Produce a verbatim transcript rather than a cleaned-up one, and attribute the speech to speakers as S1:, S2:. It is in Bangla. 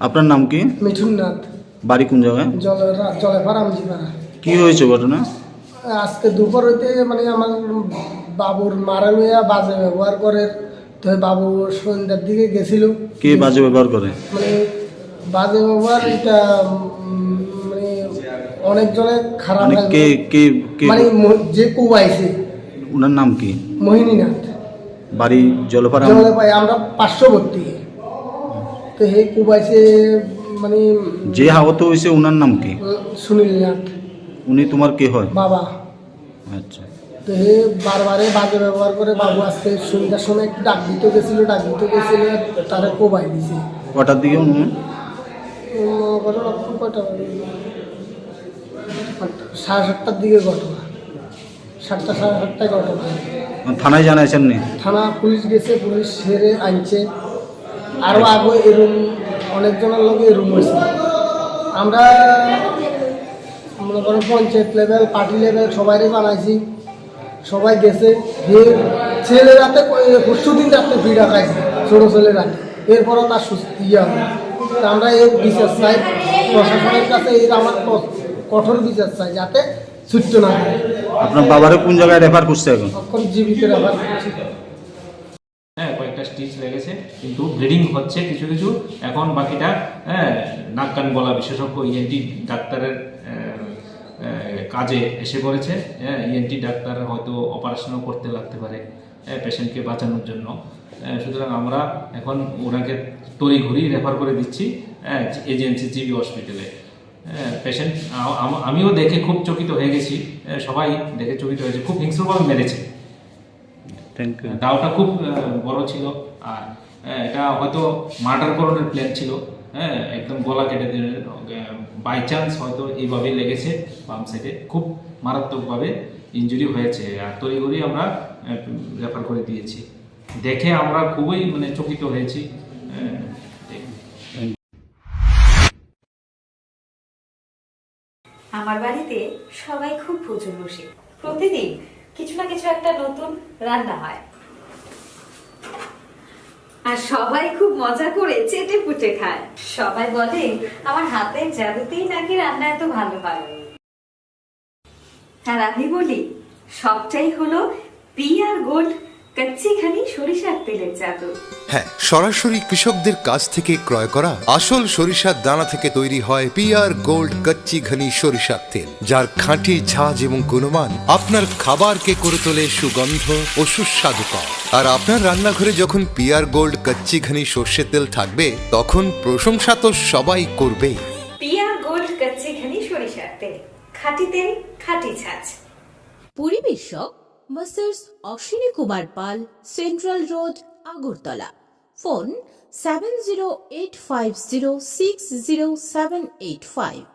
S1: আপনার নাম কি?
S2: মিঠুন নাথ।
S1: বাড়ি কোন জায়গায়?
S2: জলেপাড়া আমজিপাড়া।
S1: কি হয়েছে ঘটনা?
S2: আজকে দুপুর হইতে মানে আমার বাবুর মারা মেয়া বাজে ব্যবহার করে, তো বাবু সন্ধ্যার দিকে গেছিল।
S1: কে বাজে ব্যবহার করে?
S2: মানে বাজে ব্যবহার এটা উম, মানে অনেকজনে খারাপ
S1: মানে কে কে কে
S2: মানে যে কুবাইছে
S1: ওনার নাম কি?
S2: মোহিনীনাথ।
S1: বাড়ি জলপাড়া।
S2: জলপাই আমরা পার্শ্ববর্তী। তো হে কুবাইছে মানে
S1: যে আহত হয়েছে ওনার নাম কি?
S2: সুনীল নাথ।
S1: উনি তোমার কে হয়?
S2: বাবা।
S1: আচ্ছা।
S2: তো হে বারবারে বাজে ব্যবহার করে। বাবু আজকে সন্ধ্যার সময় একটু ডাক দিতে গেছিল, ডাক দিতে গেছিল তারা কোবাই দিছে।
S1: কটার দিকে? উনি
S2: ঘটনা কয়টা সাড়ে সাতটার দিকে ঘটনা, সাতটা সাড়ে সাতটায় ঘটনা।
S1: থানায় জানাইছেন নি?
S2: থানা পুলিশ গেছে, পুলিশ সেরে আনছে। আরও আগে এরুম অনেকজনের লোক এরুম হয়েছে। আমরা মনে করেন পঞ্চায়েত লেভেল, পার্টি লেভেল সবাইরে জানাইছি, সবাই গেছে। ছেলেরাতে পরশু দিন রাত্রে ভিড় রাখাইছে, ছোটো ছেলেরা। এরপরও তার সুস্থ ইয়ে হবে। আমরা এর বিচার চাই প্রশাসনের কাছে, এর আমার কঠোর বিচার চাই যাতে ছুটতে না হয়।
S1: আপনার বাবারে কোন জায়গায় রেফার করছে এখন?
S2: এখন জীবিত রেফার করছি।
S3: হ্যাঁ, কয়েকটা স্টিচ লেগেছে, কিন্তু ব্লিডিং হচ্ছে কিছু কিছু। এখন বাকিটা হ্যাঁ নাক কান গলা বিশেষজ্ঞ ইএনটি ডাক্তারের কাজে এসে পড়েছে। হ্যাঁ, ইএনটি ডাক্তার হয়তো অপারেশনও করতে লাগতে পারে পেশেন্টকে বাঁচানোর জন্য। সুতরাং আমরা এখন ওনাকে তড়িঘড়ি রেফার করে দিচ্ছি এজেন্সি জিবি হসপিটালে। পেশেন্ট আমিও দেখে খুব চকিত হয়ে গেছি, সবাই দেখে চকিত হয়েছে। খুব হিংস্রভাবে মেরেছে।
S1: Thank you.
S3: দাওটা খুব বড় ছিল, আর এটা হয়তো মার্ডার করানোর প্ল্যান ছিল। হ্যাঁ, একদম গলা কেটে দিয়ে বাই চান্স হয়তো এইভাবেই লেগেছে বাম সাইডে, খুব মারাত্মকভাবে ইনজুরি হয়েছে। আর তড়িঘড়ি আমরা রেফার করে দিয়েছি। দেখে আমরা খুবই মানে চকিত হয়েছি।
S4: আমার বাড়িতে সবাই খুব প্রচুর বসে, প্রতিদিন কিছু না কিছু একটা নতুন রান্না হয়, আর সবাই খুব মজা করে চেটে পুটে খায়। সবাই বলে আমার হাতের জাদুতেই নাকি রান্না এত ভালো হয়। আর আমি বলি সবটাই হলো পিআর গোল্ড কচ্চিখানি সরিষার তেলের জাদু।
S5: হ্যাঁ, সরাসরি কৃষকদের কাছ থেকে ক্রয় করা আসল সরিষার দানা থেকে তৈরি হয় পিআর গোল্ড কচ্চি ঘনি সরিষার তেল, যার খাঁটি ঝাঁজ এবং গুণমান আপনার খাবারকে করে তোলে সুগন্ধ ও সুস্বাদুকর। আর আপনার রান্নাঘরে যখন পিআর গোল্ড কচ্চি ঘনি সর্ষের তেল থাকবে, তখন প্রশংসা তো সবাই করবেই।
S4: পিআর গোল্ড কচ্চিখানি সরিষার তেল, খাঁটি তেল, খাঁটি ছাঁচ।
S6: পরিবেশক Masters Ashwini Kumar Pal, central road, Agartala. Phone seven zero eight five zero six zero seven eight five.